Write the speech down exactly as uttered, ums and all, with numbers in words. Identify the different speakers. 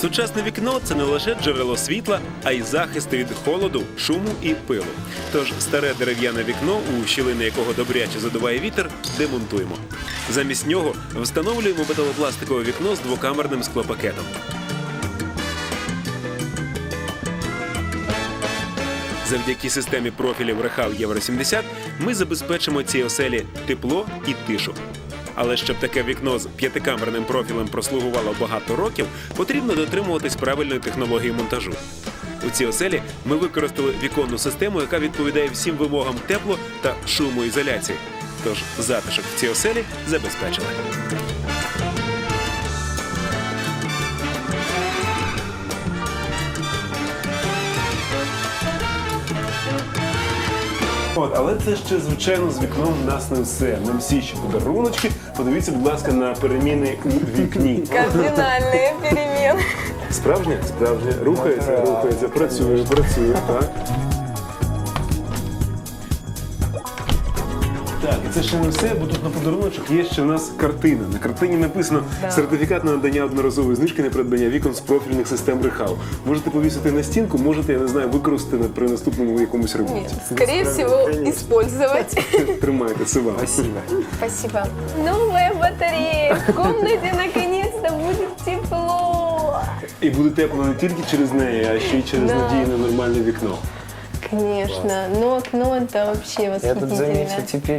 Speaker 1: Сучасне вікно – це не лише джерело світла, а й захист від холоду, шуму і пилу. Тож старе дерев'яне вікно, у щілини якого добряче задуває вітер, демонтуємо. Замість нього встановлюємо металопластикове вікно з двокамерним склопакетом. Завдяки системі профілів Рехал Євро сімдесят ми забезпечимо цій оселі тепло і тишу. Але щоб таке вікно з п'ятикамерним профілем прослугувало багато років, потрібно дотримуватись правильної технології монтажу. У цій оселі ми використали віконну систему, яка відповідає всім вимогам тепло- та шумоізоляції. Тож затишок в цій оселі забезпечили.
Speaker 2: От, але це ще, звичайно, з вікном в нас не все. Нам всі ще подаруночки. Подивіться, будь ласка, на переміни у вікні.
Speaker 3: Кардинальные перемены.
Speaker 2: Справжнє? Справжнє. Рухається, рухається, працює, працює, так. Так, і це ще не все, бо тут на подаруночок є ще в нас картина. На картині написано «Сертифікат на надання одноразової знижки на придбання вікон з профільних систем Рехал». Можете повісити на стінку, можете, я не знаю, використати при наступному якомусь ремонті.
Speaker 3: Скорее всего, использовать.
Speaker 2: Тримайте, це вам.
Speaker 4: Спасибо.
Speaker 3: Спасибо. Новая батарея. В комнате наконец-то будет тепло.
Speaker 2: І буде тепло не тільки через неї, а ще й через
Speaker 3: Да.
Speaker 2: надійне нормальне вікно.
Speaker 3: Конечно. Но окно это вообще
Speaker 4: Я тут заметил
Speaker 3: восхитительно.
Speaker 4: теперь